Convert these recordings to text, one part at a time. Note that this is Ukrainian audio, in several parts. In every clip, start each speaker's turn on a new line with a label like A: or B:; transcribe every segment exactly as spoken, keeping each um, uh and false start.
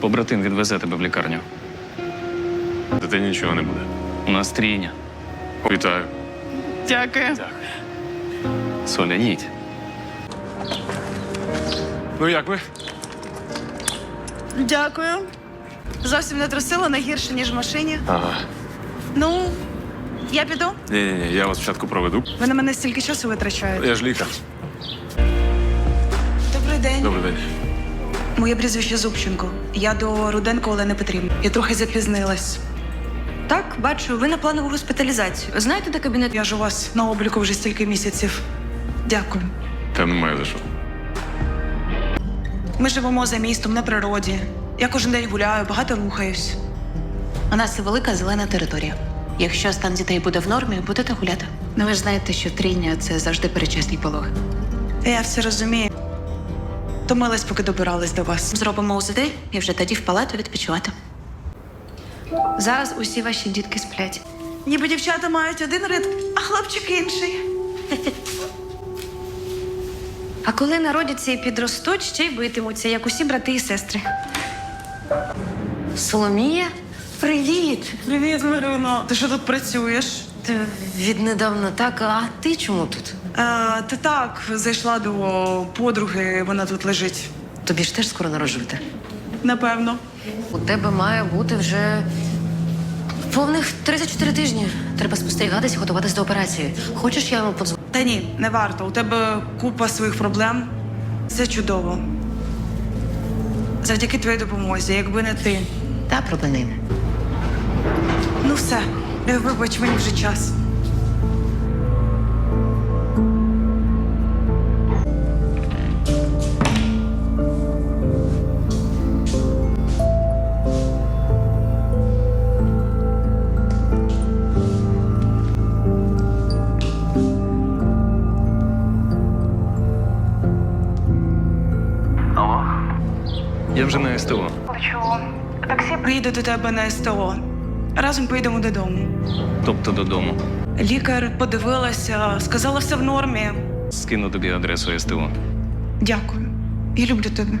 A: Побратим відвезе тебе в лікарню.
B: Дитині нічого не буде.
A: У нас трійня.
B: Вітаю.
C: Дякую.
A: Соля, їдь.
B: Ну як ви?
C: Дякую. Зовсім не трусила, не гірше, ніж в машині.
B: Ага.
C: Ну, я піду.
B: Ні-ні-ні, я вас спочатку проведу.
C: Ви на мене стільки часу витрачаєте.
B: Я ж лікар.
C: Добрий день.
B: Добрий день.
C: Моє прізвище Зубченко. Я до Руденко Олени Петрівни. Я трохи запізнилась.
D: Так, бачу, ви на планову госпіталізацію. Знаєте, де кабінет?
C: Я ж у вас на обліку вже стільки місяців. Дякую.
B: Та немає за що.
C: Ми живемо за містом, на природі. Я кожен день гуляю, багато рухаюсь.
D: У нас це велика зелена територія. Якщо стан дітей буде в нормі, будете гуляти. Ну ви ж знаєте, що трійня – це завжди передчасний пологи.
C: Я все розумію. Томилась, поки добиралась до вас.
D: Зробимо УЗД і вже тоді в палату відпочивати. Зараз усі ваші дітки сплять.
C: Ніби дівчата мають один ритм, а хлопчик інший.
D: А коли народяться і підростуть, ще й битимуться, як усі брати і сестри. Соломія, привіт!
C: Привіт, Марино. Ти що тут працюєш?
D: Ти віднедавна так, а ти чому тут?
C: Е, ти так, зайшла до подруги, вона тут лежить.
D: Тобі ж теж скоро народжувати.
C: Напевно.
D: У тебе має бути вже повних тридцять чотири тижні. Треба спостерігатись і готуватись до операції. Хочеш, я йому подзвоню?
C: Та ні, не варто. У тебе купа своїх проблем. Це чудово. Завдяки твоїй допомозі, якби не ти.
D: Та проблем нема.
C: Ну все, Е, вибач, мені вже час.
A: Я вже на СТО.
C: Чого? Таксі приїде до тебе на СТО. Разом поїдемо додому.
A: Тобто додому.
C: Лікар подивилася, сказала, все в нормі.
A: Скину тобі адресу СТО.
C: Дякую. Я люблю тебе.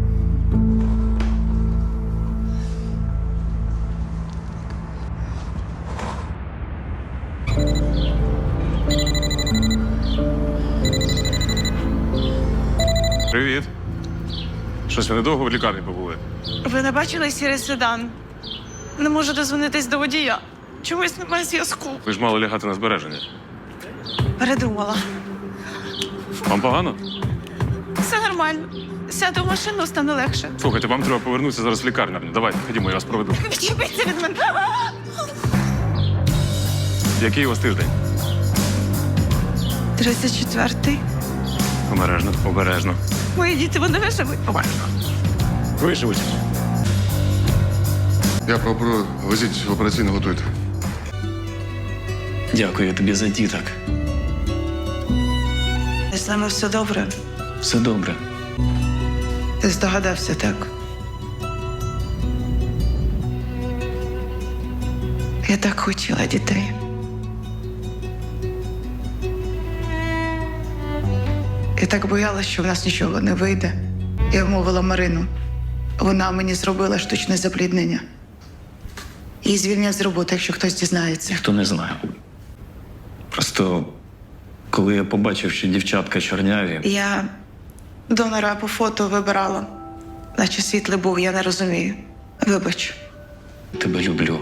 B: Привіт. Щось ви недовго в лікарні побули?
C: Ви не бачили сірий седан? Не можу дозвонитись до водія. Чомусь немає зв'язку.
B: Ви ж мали лягати на збереження.
C: Передумала.
B: Вам погано?
C: Все нормально. Сяду в машину, стане легше.
B: Слухайте, вам треба повернутися зараз в лікарню. Давайте, ходімо, я вас проведу.
C: Відчепіться від мене.
B: Який у вас тиждень?
C: тридцять четвертий.
B: Обережно, обережно.
C: Мої діти, вони виживуть.
B: Обережно. Виживуть.
E: Я пропоную, везіть в операційну, готуйте.
A: Дякую тобі за діток.
C: З нами все добре.
A: Все добре.
C: Ти здогадався, так? Я так хотіла дітей. Я так боялась, що в нас нічого не вийде. Я вмовила Марину. Вона мені зробила штучне запліднення. Її звільнять з роботи, якщо хтось дізнається.
A: Ніхто не знає. Просто коли я побачив, що дівчатка чорняві,
C: Я донора по фото вибирала. Наче світлий був, я не розумію. Вибач.
A: тебе люблю.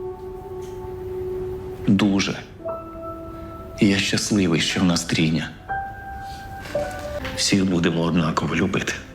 A: Дуже. І я щасливий, що в нас трійня. Всіх будемо однаково любити.